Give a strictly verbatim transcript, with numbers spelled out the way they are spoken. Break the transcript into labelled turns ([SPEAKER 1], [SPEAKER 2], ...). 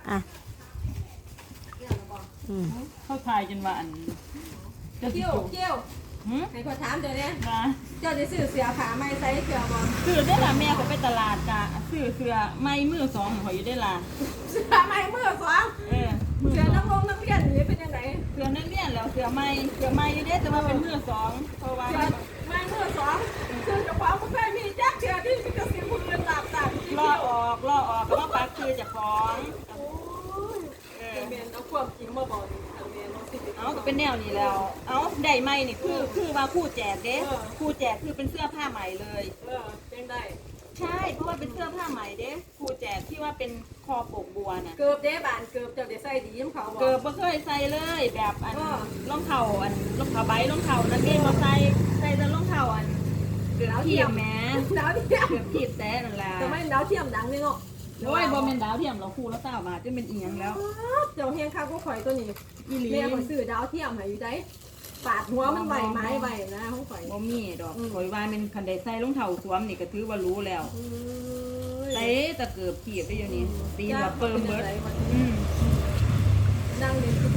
[SPEAKER 1] อ่ะอืม
[SPEAKER 2] เข้าทายจนว่าอันจะ
[SPEAKER 3] เกี่ยวเกี่ยว
[SPEAKER 2] หืม
[SPEAKER 3] ให้ขอถามเดี๋ยวนี้
[SPEAKER 2] มา
[SPEAKER 3] เจ้าจะซื้อเสื้อผ้าใหม่ใส่เสื้อบอล
[SPEAKER 2] ซื้อได้ละแม่เขาไปตลาดกะซื้อเสื้อไม้มือสองเขาอยู่ได้ละ
[SPEAKER 3] เสื้อใหม่เมื่อสอง
[SPEAKER 2] เออมือ
[SPEAKER 3] เสื้อ
[SPEAKER 2] สอ
[SPEAKER 3] นั
[SPEAKER 2] ง
[SPEAKER 3] กลงนักเรียนนี่เป็นยังไง
[SPEAKER 2] เสื้อนักเรียนแล้วเสื้อไม้เสื้อไม้อยู่ได้แต่ว่าเป็นมือสองเพราะว่า
[SPEAKER 3] เสื้อใหม่เมื่อสองซื้อเฉพาะผู้เคยมีแจ็คเสื้อที่มีกระสีมือหลับตา
[SPEAKER 2] ล่อออกล่อออกก็ว่าปักคือจะฟ้อง
[SPEAKER 3] โอ้ย
[SPEAKER 2] เออ
[SPEAKER 3] เมียนเอาความจริงมาบอกนี่ทางเมียนเอาสิ
[SPEAKER 2] เอาก็เป็นแนวนี้แล้ว เอาได้ไหมนี่คือคือว่าคู่แจกเด้
[SPEAKER 3] เออ
[SPEAKER 2] คู่แจกคือเป็นเสื้อผ้าใหม่เลย
[SPEAKER 3] เออเป็นได้
[SPEAKER 2] ใช่เพราะว่าเป็นเสื้อผ้าใหม่เด้คู่แจกที่ว่าเป็นคอปกบัวน่ะ
[SPEAKER 3] เกือบเด้บานเกือบเจ้าได้ใส่ดีน้ำเขาบอก
[SPEAKER 2] เกิดบ่เคยใส่เลยแบบอัน
[SPEAKER 3] อ้อ
[SPEAKER 2] รองเท้าอันรองเท้าใบรองเท้านักเรียนบ่ใส่ใส่แต่รองเท้าอันเกือบเทียมแหม้
[SPEAKER 3] ดาวเทียม
[SPEAKER 2] เกือบทีบแต่นั่นล่ะ
[SPEAKER 3] แต่ไม่ดาวเทียมดังนี่เนาะ
[SPEAKER 2] โอ้ยบ่แม่นดาวเทียมเราคู่ละเก้าบาทจะเป็นอีหยังแล้ว
[SPEAKER 3] เจ้าเฮียงข้าวก็ข่อยตัวนี้
[SPEAKER 2] อีหลี
[SPEAKER 3] แม่ข่อยซื้อดาวเทียมให้อยู่ได้ปาดหัวมันใบไม้ใบนะของข่อย
[SPEAKER 2] บ่มีดอก
[SPEAKER 3] อืม
[SPEAKER 2] ข่อยว่าเป็นคันใดใส่รองเท้าสวมนี่ก็ถือว่ารู้แล้ว
[SPEAKER 3] อืม
[SPEAKER 2] ใส่แต่เกือบทีบได้อยู่นี่ตีนแบบเปิ่มเบิดอืม
[SPEAKER 3] นั่งเล่นคือ